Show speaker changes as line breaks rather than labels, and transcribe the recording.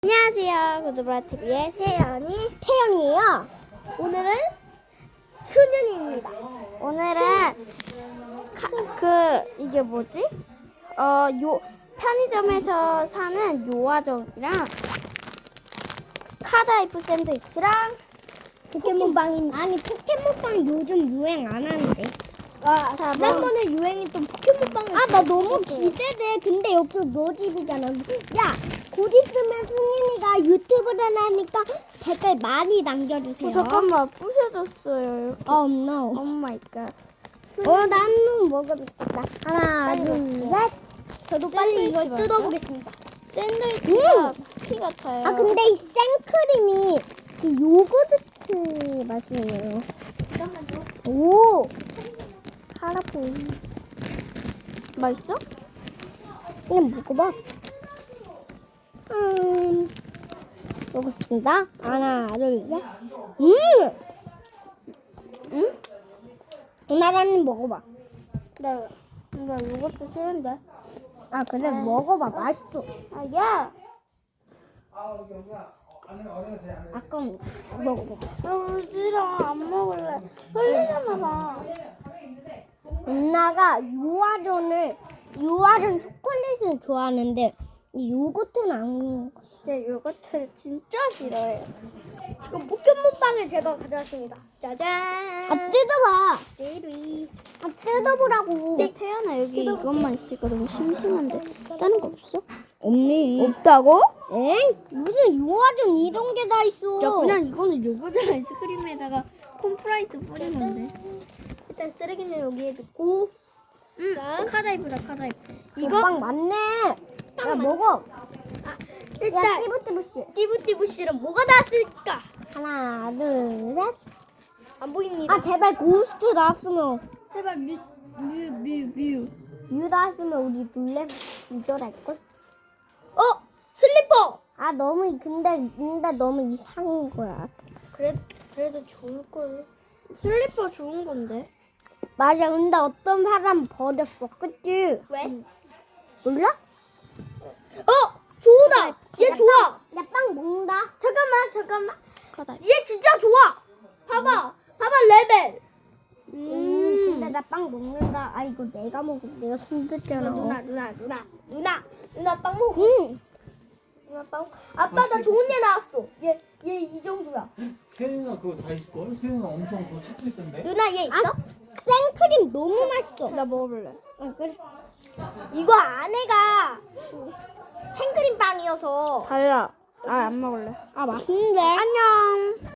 안녕하세요. 구두브라TV의
태연이에요.
오늘은 수년이입니다.
오늘은
이게 뭐지? 편의점에서 사는 요아정이랑 카드아이프 샌드위치랑
포켓몬빵인 아니 포켓몬빵 요즘 유행 안 하는데.
자,
지난번에 유행했던 포켓몬빵을 나 너무 기대돼. 근데 여기 너 집이잖아. 야, 곧 있으면 승민이가 유튜브를 하니까 댓글 많이 남겨주세요.
잠깐만 부셔졌어요.
no.
오 마이 갓.
나는 먹어야겠다. 하나,
빨리
둘,
먹을게요.
셋. 저도 빨리 이걸
샌드위치
뜯어보겠습니다.
샌드위치가 피 같아요.
근데 이 생크림이 그 요구르트 맛이에요. 오!
카라포 맛있어?
그냥 먹어봐. 먹었습니다. 하나, 둘, 셋. 나라는 먹어봐.
나 이것도 싫은데.
그래, 먹어봐. 맛있어.
야!
아까 먹어봐.
나 싫어. 안 먹을래. 흘리잖아, 나.
누나가 요아전 초콜릿을 좋아하는데 이 요거트는 안.
제 요거트를 진짜 싫어해요.
지금 포켓몬빵을 제가 가져왔습니다.
짜잔!
뜯어봐.
찌리.
뜯어보라고.
태연아, 여기 이것만 있으니까 너무 심심한데. 다른 거 없어?
없네.
없다고?
엥? 무슨 요아전 이런 게 다 있어.
야, 그냥 이거는 요거트 아이스크림에다가 콘프라이트 뿌린 건데.
일단 쓰레기는 여기에 넣고.
카다이프다, 카다이프.
이거 빵 맞네. 야, 먹어.
일단
야, 띠부띠부씨.
띠부띠부씨는 뭐가 나왔을까?
하나, 둘, 셋.
안 보입니다.
제발 고스트 나왔으면.
제발 뮤.
유 나왔으면 우리 놀래 기절할걸?
슬리퍼.
근데 너무 이상한 거야.
그래도 좋을 걸. 슬리퍼 좋은 건데.
맞아. 근데 어떤 사람 버렸어. 그치?
왜?
몰라?
좋다. 얘 좋아.
야, 빵 먹는다.
잠깐만. 얘 진짜 좋아. 봐봐 레벨.
근데 나 빵 먹는다. 이거 내가 먹어. 내가 손댔잖아.
누나 빵 먹어. 누나 빵. 아빠 나 좋은 얘 나왔어. 얘 이 정도야.
세윤아 그거 다 있을걸? 세윤아 엄청 그거 체크했던데?
누나 얘 있어?
생크림 너무 맛있어.
나 먹어볼래.
그래.
이거 안에가 생크림 빵이어서.
달라.
안 먹을래.
맛있는데?
안녕.